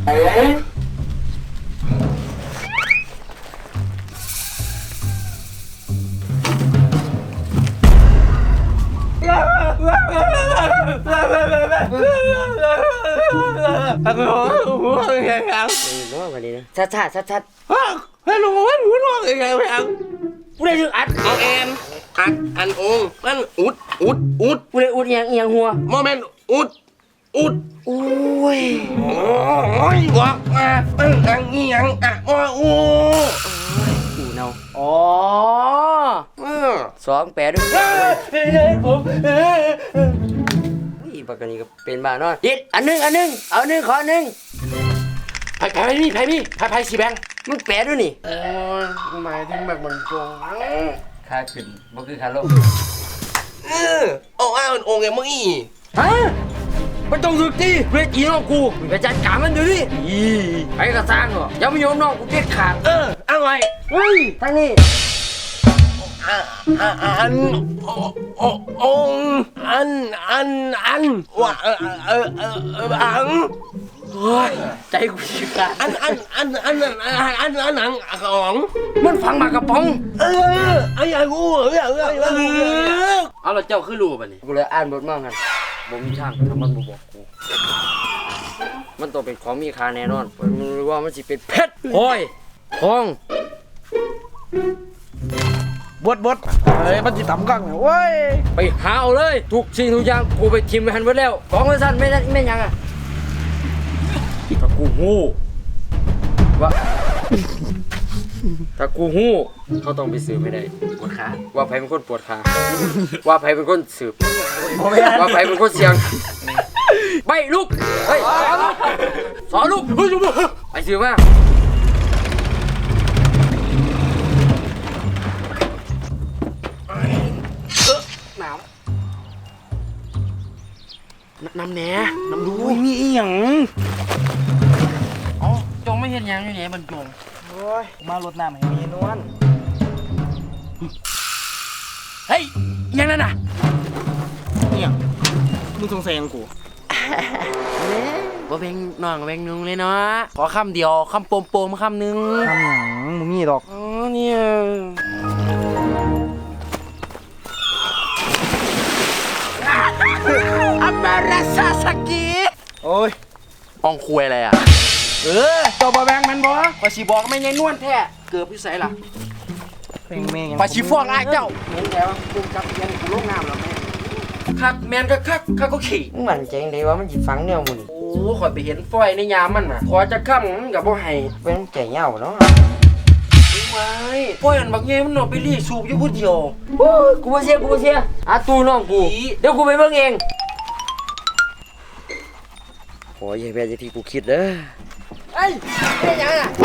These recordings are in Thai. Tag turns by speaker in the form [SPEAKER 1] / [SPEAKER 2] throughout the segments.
[SPEAKER 1] หัวยังไงครับร้องกันดีนะชัดให้ลุงว่าหัวร้องยังไงครับกูได้ถึงอัดเอาแอนอันองนั่นอุดกูได้อุดยังหัวโมเมนต์อุดโอ้ยบอกมาอังยังอ่ะโอ้อูเนาอ๋อสองแปดด้วยผมปากนี้ก็เป็นบ้านอนดิดอันนึงเอาหนึ่งขอหนึ่งไพ่สีแบงมึงแปดด้วยนี่หมายถึงแบบมันโกงค่าขึ้นบ่คือค่าลงเอาองค์ไงมึงฮะมันต้องสึกดิเวทีน้องกูไปจัดการมันดูดิไอ้กระซังเหรอยังไม่ยอมน้องกูเด็ดขาดเอาไงเฮ้ยทางนี้อันว่าอังโอ้ยใจกูชิบะอันหนังของมันฟังมากระป๋องไอ้กูเอาแล้วเจ้าคือรู้ป่ะนี่กูเลยอ่านบทมั่งกันบ่มีช่างทำมันบอกกูมันต้องเป็นของมีค่าแน่นอนผมรู้ว่ามันสิเป็นเพชรโอ้ยทองบดเฮ้ยมันจิตต่ำกังเว้ยไปหาเอาเลยทุกสิ่งทุกอย่างกูไปทิมไปหันไว้แล้วของมันสั้นไม่ยังอ่ะถ้ากูหู้เขาต้องไปสืบไม่ได้ปวดขาว่าใครเป็นคนปวดขาว่าใครเป็นคนสืบว่าใครเป็นคนเสียงไปลูกเฮ้ยสอนลูกไปสืบมาน้ำแหน่น้ำดูมีอีหยังอ๋อจงไม่เห็นยังอยู่ไหนบรรจงโอ้ยมารดน้ำให้มีนวลเฮ้ยยังนั่นน่ะเนี่ยมึงสงสัยยังกูบ่เป็นน้องเป็นนุ่งเลยเนาะขอคำเดียวคำโปมคำนึงคำหยังมึงมีดอกอ๋อเนี่ยอัมมาราซาสกิโอ้ยปองคุยอะไรอ่ะตัวบะแบงมันบ่ปะชีบอกไม่ไงนวลแท้เกือบพิสัยล่ะแม่งปะชีฟอกไอ้เจ้าเห็นแล้วกูจับยันกูลงน้ำแล้วแม่คักแมนก็คักก็ขี่มันเจ๋งดีว่ามันจิฟังเนี่ยมึงโอ้ขอยไปเห็นฝอยในยามมันน่ะขอจะข้ามมันกับบ่ให้เป็นใจเหี่ยวเนาะไม่ฝอยอันบักเงี้ยมันนอนไปรีสูบอยู่ผู้เดียวโอ้ยกูบ่เสียตู้น้องกูเดี๋ยวกูไปเบิ่งเองโอ้ยอย่าเป็นอย่างที่กูคิดเด้อเฮ้ยเป็นยังอ่ะ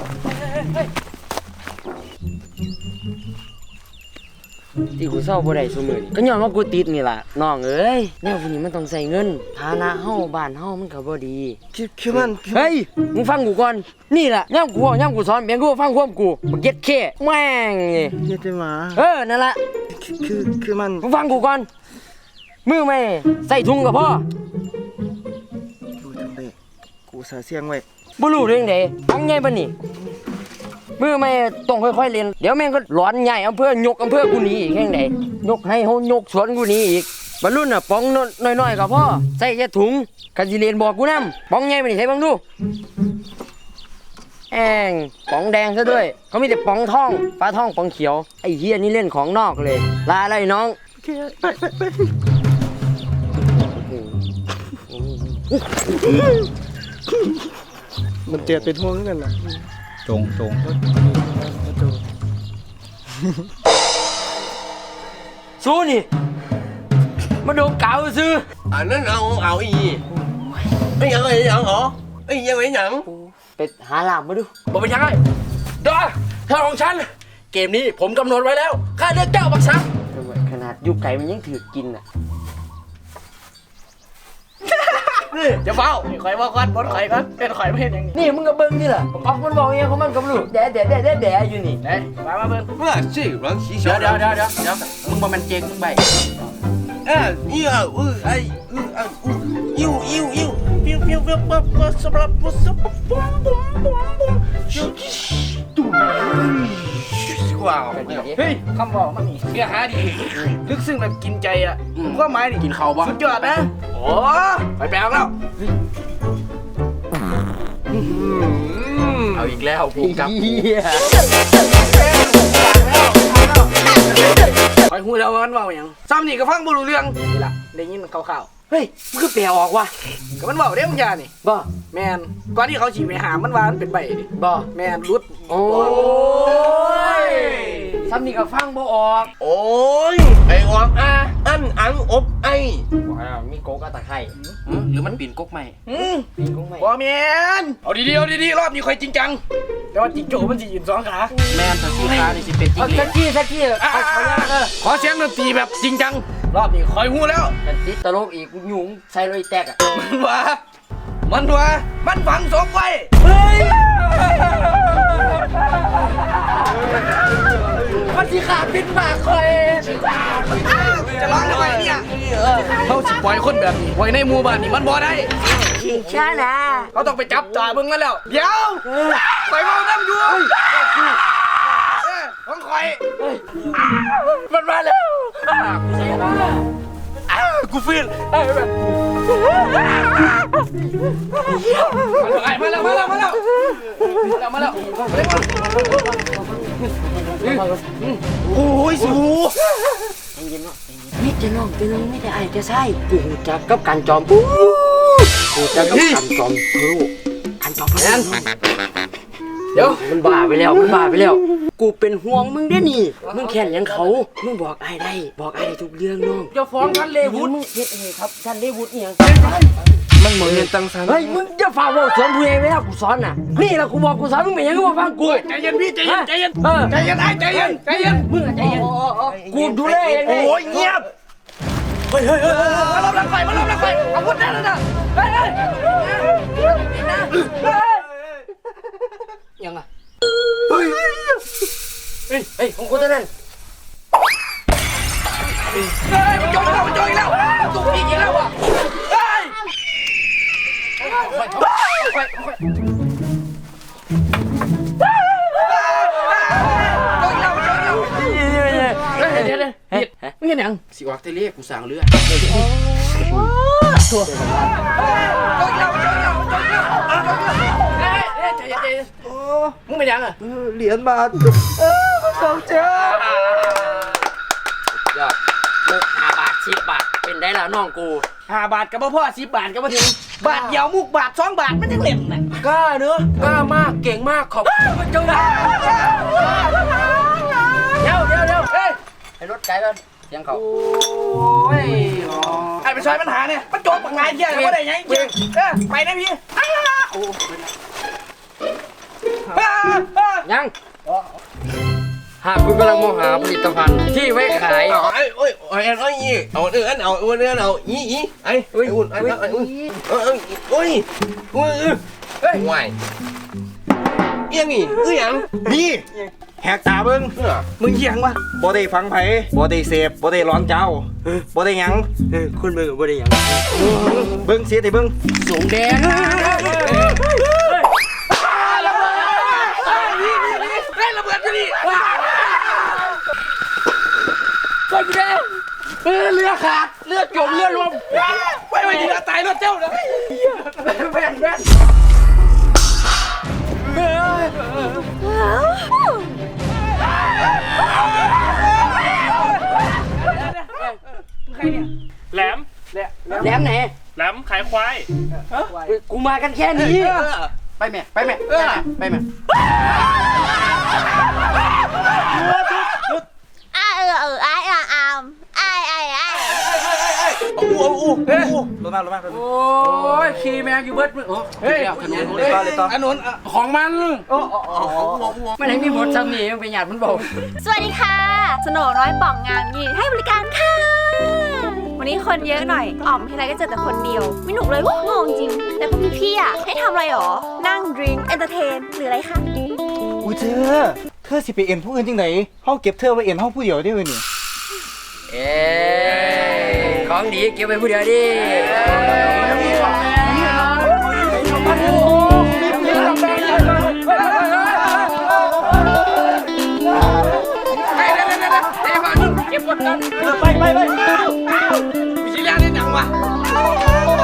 [SPEAKER 1] ที่กูเศร้าบ่ได้ซุมื้อนี้ก็ย้อนว่ากูติดนี่ล่ะน้องเอ้ยแนวพวกนี้มันต้องใช้เงินฐานะเฮาบ้านเฮามันก็บ่ดีคือมันเฮ้ยมึงฟังกูก่อนนี่ล่ะย่ำกูสอนเพียงกูฟังความกูบ่เก็ตแค่แม่งนี่เก็ตได้มานั่นล่ะคือมันมึงฟังกูก่อนมือไม่ใส่ถุงกับพ่อกูสาเสียงไว้บ่รู้เรื่องใดฟังใหญ่ปานนี้มือไม่ต้องค่อยๆเรียนเดี๋ยวแม่งก็หลอนใหญ่อำเภอยกอำเภอกูหนีอีกแห่งใดยกให้เฮายกสวนกูหนีอีกบรรลุน่ะป๋องน้อยๆกับพ่อใส่แค่ถุงกันสิเรียนบอกกูนำป๋องใหญ่ปานนี้ใส่บังดูแองป๋องแดงซะด้วยเขามีแต่ป๋องทองฟ้าทองป๋องเขียวไอ้เหี้ยนี่เล่นของนอกเลยลาอะไรน้องไปมันเจ็บเป็นห่วงกันนะจงสู้นี่มาโดนเก่าซื้ออันนั้นเอาอีไอ้ยังไงยังเหรอไอ้ยังไงยังไปหาหลามมาดูบอกไปยังไงดอถ้าของฉันเกมนี้ผมกำหนดไว้แล้วค่าเลือกเจ้าบักซักขนาดยุบไก่มันยังถือกินอ่ะจะเฝ้าข่อยบอกก่อนบนข่อยก่อนเป็นข่อยไม่เห็นอย่างนี้นี่มึงก็เบิ้งนี่แหละออกมันบอกอย่างเขามันก็รู้แดะอยู่นี่มาเบิ้งเมื่อสิรังสีเดี๋ยวมึงบอกมันเจ๊งมึงไปอิวปิ้วปิ้วปิ้วปิ้วปิ้วสำหรับปุ๊บปุ๊บปุ๊บปุ๊บปุ๊บตุ้มว้าวเฮ้ยคำบอกมันนี่เนื้อหาดีลึกซึ้งแบบกินใจอ่ะก็หมายดิกินข้าวบ้างสุดยอดนะโอ้ไปแปลงแล้วเอาอีกแล้วผมกับไปหูแล้วมันว่าอย่างซ้ำนี่ก็ฟังบ่รู้เรื่องนี่ล่ะได้ยินข่าวๆเฮ้ยมันคือแปลออกว่ะก็มันบอกได้บางอย่างนี่บ่แมนก่อนที่เขาฉีดไปหามันว่ามันเป็นใบดิบ่แมนรุดโอ้ยซ้ำนี่ก็ฟังบ่ออก
[SPEAKER 2] โอ้ยไอ้ออกอันอังอบไอ
[SPEAKER 1] มีโกกะตะไคร้หรือมันปีนกกใหม่ปีนกกใหม่บ่แมนเอาดีๆรอบนี้ค่อยจริงจังแต่ว่าจิงโจ้มันสิยืน2ขาแมนแต่4ขานี่สิเป็นจริงสักทีขอเสียงดนตรีแบบจริงจังรอบนี้คอยหูแล้วมันติดตลกอีกหยุ่งใส่เลยแตกอ่ะมันฝังศพไว้เฮ้ยมันสิขาปิดปากคอยจะร้องทำไมเนี่ยเขาสิปล่อยคนแบบนี้ไว้ในหมู่บ้านนี่มันบ่ได้ชิงช้านะเขาต้องไปจับจ่าเบิ่งกันแล้วเดี๋ยวไปมองน้ำอยู่ของคอยมันมาแล้วกูฟินแบบมาแล้วโอ้ยสู
[SPEAKER 3] ไม่จะน้องเป็นไม่ได้ไอ้จะใช่กูจักกับการจอมปูกูจักกับการจอมพลูการจอมพลู
[SPEAKER 1] เดี๋ยว
[SPEAKER 3] มันบ้าไปแล้วกูเป็นห่วงมึงได้นี่มึงแค่นยังเขามึงบอกไอ้ได้ทุกเรื่องน้อง
[SPEAKER 1] จะฟ้องท่านเลวุฒิ
[SPEAKER 3] มึงเฮ็ดเองครับท่านเลวุฒิเนี่ย
[SPEAKER 2] มันเหมือนเงินตังสัน
[SPEAKER 3] เฮ้ยมึงจะฝ่าว่าสอนผู้เองไม่ได้กูสอนน่ะนี่แหละกูบอกกูสอนมึงไม่ยังกูมาฟังกู
[SPEAKER 1] ใจเย็นพี่ใจเย็นใจเย็น
[SPEAKER 3] มึงใจเย็นกูดูแลเอง
[SPEAKER 1] โอ้ยเงียบเฮ้ยมาลบหลังไฟอาวุธนั่นน่ะยังไงเฮ้ยของกูตัวนั้นมันโจยแล้วตุกอีกแล้วอ่ะเดี๋ยวไม่เห็นยังสิวากเทเลกูสั่งเรือตัวมึงเป็นยังอ่ะ
[SPEAKER 2] เหรียญบาทสองเจ้าย
[SPEAKER 3] อดมุก5 บาท10 บาทเป็นได้แล้วน้องกู
[SPEAKER 1] 5 บาทกับพ่อ10 บาทกับพ่อถึงบาทเดียวมุกบาท2 บาทมันยังเล่นน่ะ
[SPEAKER 3] กล้าเนอะกล้ามากเก่งมากขอบคุณเจ้าเดี๋ยวเฮ้ยให้รถไกลกันเสียงเขา
[SPEAKER 1] โอ้ยไอ้ไปซอยปัญหาเนี่ยมันโจมปังไงเที่ยงว่าได้ยังจริงไปนะพี่
[SPEAKER 3] ยังหากคุณกำลังมองหาผลิตภัณฑ์ที่ไว้ขาย
[SPEAKER 2] เอาเนื้อไอ้อุ่นห่วยเอียงนี่ยัง
[SPEAKER 4] นี่แหกตาเบิ้ง
[SPEAKER 1] มึงเหี้ยงวะ
[SPEAKER 4] บ่ได้ฟังไผบ่ได้เสพบ่ได้ร้อนเจ้าบ่ได้หยัง
[SPEAKER 3] คุณเบิ้งบ่ได้หยัง
[SPEAKER 4] เบิ้งเสียแต่เบิ้ง
[SPEAKER 1] สูงแดงระเบิดจะดิก้อนกูแดงเรือขาดเรือจมเรือรวมไปดีนะตายรถเจ้านะแม่ใครเนี่ย
[SPEAKER 5] แหลม
[SPEAKER 3] ไหน
[SPEAKER 5] แหลมขายควาย
[SPEAKER 3] กูมากันแค่นี้
[SPEAKER 1] ไปแม่โอ้ยขี่แมงอยู่เบิดเฮ้ยอันนู้นของมัน
[SPEAKER 3] ไม่ได้มีหมดซ้ำนี่มันเป็นหยาดมันบอก
[SPEAKER 6] สวัสดีค่ะสโหน่น้อยป่องงามยินให้บริการค่ะวันนี้คนเยอะหน่อยอ๋อมทีไรก็เจอแต่คนเดียวไม่หนุกเลยงงจริงแต่พวกพี่ๆให้ทำอะไรหรอนั่งดื่มเอนเตอร์เทนหรืออะไรคะ
[SPEAKER 4] อุ้ยเธอสิไปเอ็นผู้อื่นจริงไหนเฮาเก็บเธอไว้เอ็นเฮาผู้เดียวได้เว้ยนี่
[SPEAKER 3] ของดีเก็บไว้ผู้เดียวดิ
[SPEAKER 4] ไปไปไป
[SPEAKER 2] มีชิ้นแรกได้หนังวะ